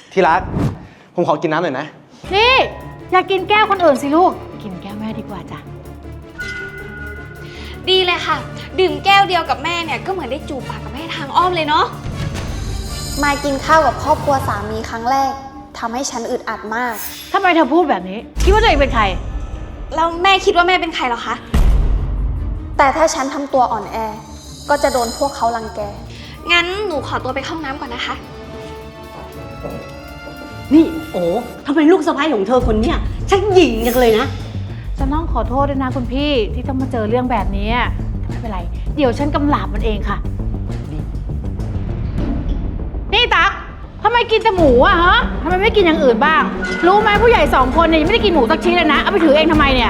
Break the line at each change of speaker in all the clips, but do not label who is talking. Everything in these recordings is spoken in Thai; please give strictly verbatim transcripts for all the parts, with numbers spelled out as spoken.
ที่รักผมขอกินน้ำหน่อยนะ
นี่อย่ากินแก้วคนอื่นสิลูกกินแก้วแม่ดีกว่าจ้ะ
ดีเลยค่ะดื่มแก้วเดียวกับแม่เนี่ยก็เหมือนได้จูบปากกับแม่ทางอ้อมเลยเนาะมากินข้าวกับครอบครัวสามีครั้งแรกทำให้ฉันอึดอัดมาก
ทำไมเธอพูดแบบนี้คิดว่าตัวเองเป็นใคร
แล้วแม่คิดว่าแม่เป็นใครหรอคะแต่ถ้าฉันทำตัวอ่อนแอก็จะโดนพวกเขารังแกงั้นหนูขอตัวไปเข้าห้องน้ำก่อนนะคะ
นี่โอ้ทำไมลูกสะใภ้ของเธอคนเนี้ยช่างหยิ่งจังเลยนะ
ฉันต้องขอโทษด้วยนะคุณพี่ที่ต้องมาเจอเรื่องแบบนี้ไม่เป็นไรเดี๋ยวฉันกำลาบมันเองค่ะนี่ตั๊กทำไมกินแต่หมูอะฮะทำไมไม่กินอย่างอื่นบ้างรู้ไหมผู้ใหญ่สองคนเนี่ยยังไม่ได้กินหมูสักชิ้นเลยนะเอาไปถือเองทำไมเนี่ย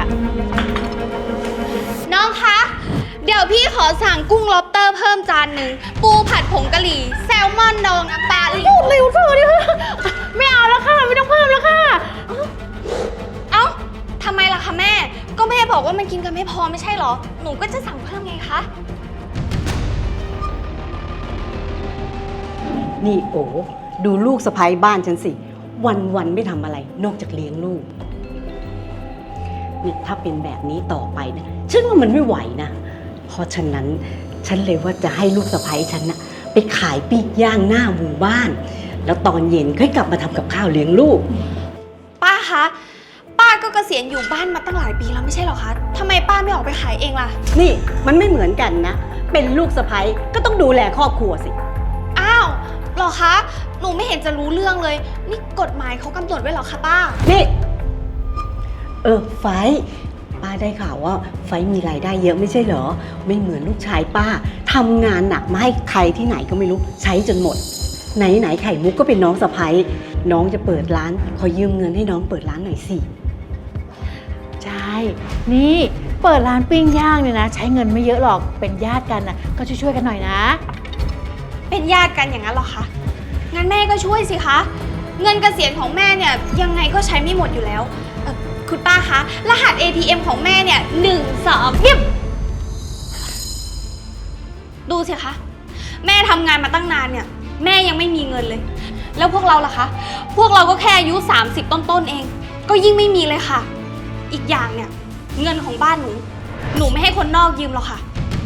น้องคะเดี๋ยวพี่ขอสั่งกุ้งล็อบสเตอร์เพิ่มจานหนึ่งปูผัดผงกะหรี่แซลมอนดองน้ำปลาอีก
เร็วเธอดิไม่เอาแล้วค่ะไม่ต้องเพิ่มแล้วค่ะ
เอ้าทำไมล่ะคะแม่ก็แม่บอกว่ามันกินกันไม่พอไม่ใช่หรอหนูก็จะสั่งเพิ่มไงคะ
นี่โอ้ดูลูกสะใภ้บ้านฉันสิวันวันไม่ทำอะไรนอกจากเลี้ยงลูกนี่ถ้าเป็นแบบนี้ต่อไปนะฉันว่ามันไม่ไหวนะเพราะฉะนั้นฉันเลยว่าจะให้ลูกสะใภ้ฉันนะไปขายปีกย่างหน้าหมู่บ้านแล้วตอนเย็นค่อยกลับมาทำกับข้าวเลี้ยงลูก
ป้าคะป้าก็เกษียณอยู่บ้านมาตั้งหลายปีแล้วไม่ใช่หรอคะทำไมป้าไม่ออกไปขายเองล่ะ
นี่มันไม่เหมือนกันนะเป็นลูกสะใภ้ก็ต้องดูแลครอบครัวสิ
อ้าวหรอคะหนูไม่เห็นจะรู้เรื่องเลยนี่กฎหมายเขากำหนดไว้หรอคะป้า
นี่เออไฟป้าได้ข่าวว่าไฟมีรายได้เยอะไม่ใช่เหรอไม่เหมือนลูกชายป้าทำงานหนักมาให้ใครที่ไหนก็ไม่รู้ใช้จนหมดไหนไหนไข่มุกก็เป็นน้องสะใภ้น้องจะเปิดร้านขอยืมเงินให้น้องเปิดร้านหน่อยสิ
ใช่นี่เปิดร้านปิ้งย่างเนี่ยนะใช้เงินไม่เยอะหรอกเป็นญาติกันนะก็ช่วยๆกันหน่อยนะ
เป็นญาติกันอย่างนั้นหรอคะงั้นแม่ก็ช่วยสิคะเงินเกษียณของแม่เนี่ยยังไงก็ใช้ไม่หมดอยู่แล้วคุณป้าคะรหัส เอ ที เอ็ม ของแม่เนี่ยหนึ่งสองเยี่ยมดูสิคะแม่ทำงานมาตั้งนานเนี่ยแม่ยังไม่มีเงินเลยแล้วพวกเราล่ะคะพวกเราก็แค่อายุสามสิบต้นๆเองก็ยิ่งไม่มีเลยค่ะอีกอย่างเนี่ยเงินของบ้านหนูหนูไม่ให้คนนอกยืมหรอกค่ะ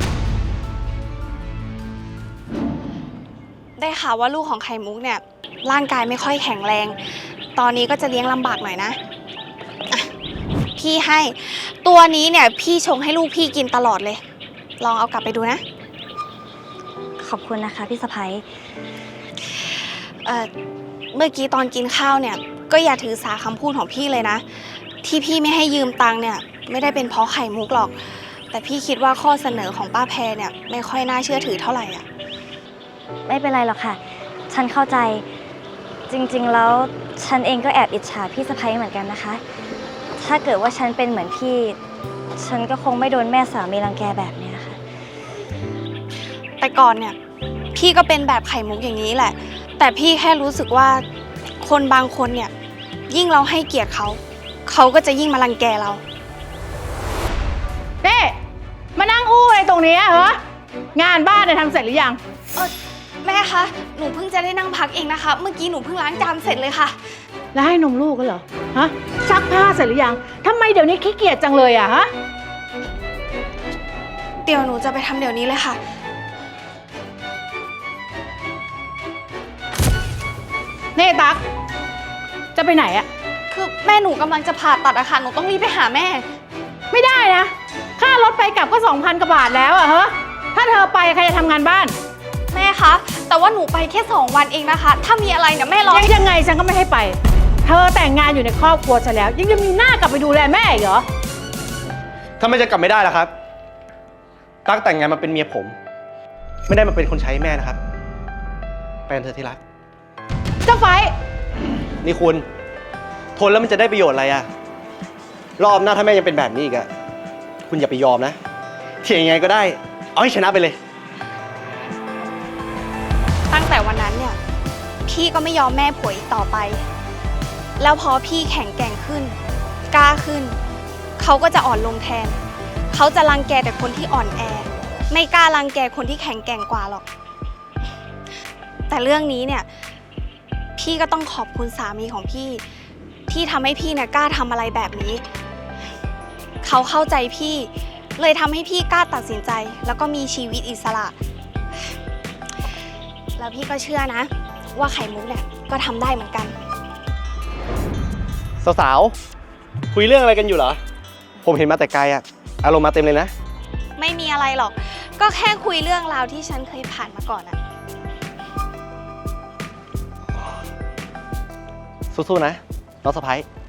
ได้ข่าวว่าลูกของไข่มุกเนี่ยร่างกายไม่ค่อยแข็งแรงตอนนี้ก็จะเลี้ยงลำบากหน่อยนะพี่ให้ตัวนี้เนี่ยพี่ชงให้ลูกพี่กินตลอดเลยลองเอากลับไปดูนะ
ขอบคุณนะคะพี่สะใภ้
เอ่อเมื่อกี้ตอนกินข้าวเนี่ยก็อย่าถือสาคำพูดของพี่เลยนะที่พี่ไม่ให้ยืมตังค์เนี่ยไม่ได้เป็นเพราะไข่มุกหรอกแต่พี่คิดว่าข้อเสนอของป้าแพรเนี่ยไม่ค่อยน่าเชื่อถือเท่าไหร่อ่ะ
ไม่เป็นไรหรอกค่ะฉันเข้าใจจริงๆแล้วฉันเองก็แอบอิจฉาพี่สะใภ้เหมือนกันนะคะถ้าเกิดว่าฉันเป็นเหมือนพี่ฉันก็คงไม่โดนแม่สามีรังแกแบบนี้ค่ะ
แต่ก่อนเนี่ยพี่ก็เป็นแบบไข่มุกอย่างนี้แหละแต่พี่แค่รู้สึกว่าคนบางคนเนี่ยยิ่งเราให้เกียรติเขาเขาก็จะยิ่งมารังแกเรา
เด้มานั่งอู้อะไรตรงนี้เหรองานบ้านเนี่ยทำเสร็จหรือยัง
เออแม่คะหนูเพิ่งจะได้นั่งพักเองนะคะเมื่อกี้หนูเพิ่งล้างจานเสร็จเลยค่ะ
แล้วให้นมลูกก็เหรอฮะซักผ้าเสร็จหรือยังทำไมเดี๋ยวนี้ขี้เกียจจังเลยอะฮะ
เดี๋ยวหนูจะไปทำเดี๋ยวนี้เลยค่ะ
เน่ตั๊กจะไปไหนอะ
คือแม่หนูกำลังจะผ่าตัดอะค่ะหนูต้องรีบไปหาแม่
ไม่ได้นะค่ารถไปกลับก็สองพันกว่าบาทแล้วอะเฮ้ถ้าเธอไปใครจะทำงานบ้าน
แม่คะแต่ว่าหนูไปแค่สองวันเองนะคะถ้ามีอะไรเนี่ยแม่รอ
ยังไงฉันก็ไม่ให้ไปเธอแต่งงานอยู่ในครอบครัวฉันแล้วยังจะมีหน้ากลับไปดูแลแม่อีกเหรอ
ทำไมจะกลับไม่ได้ล่ะครับตั๊กแต่งงานมาเป็นเมียผมไม่ได้มาเป็นคนใช้แม่นะครับไปกันเถอะที่รัก
เจ้าไฟ
นี่คุณทนแล้วมันจะได้ประโยชน์อะไรอะรอบหน้าถ้าแม่ยังเป็นแบบนี้อีกอะคุณอย่าไปยอมนะเถียงยังไงก็ได้เอาให้ชนะไปเลย
ตั้งแต่วันนั้นเนี่ยพี่ก็ไม่ยอมแม่ผัวอีกต่อไปแล้วพอพี่แข็งแกร่งขึ้นกล้าขึ้นเขาก็จะอ่อนลงแทนเขาจะรังแกแต่คนที่อ่อนแอไม่กล้ารังแกคนที่แข็งแกร่งกว่าหรอกแต่เรื่องนี้เนี่ยพพี่ก็ต้องขอบคุณสามีของพี่ ที่ทำให้พี่เนี่ยกล้าทำอะไรแบบนี้ เขาเข้าใจพี่เลยทำให้พี่กล้าตัดสินใจ แล้วก็มีชีวิตอิสระ แล้วพี่ก็เชื่อนะ ว่าไข่มุกเนี่ยก็ทำได้เหมือนกัน
สาวๆ คุยเรื่องอะไรกันอยู่เหรอ ผมเห็นมาแต่ไกลอะอารมณ์มาเต็มเลยนะ
ไม่มีอะไรหรอก ก็แค่คุยเรื่องราวที่ฉันเคยผ่านมาก่อนอะ
สู้ๆ นะ น้องสะพ้าย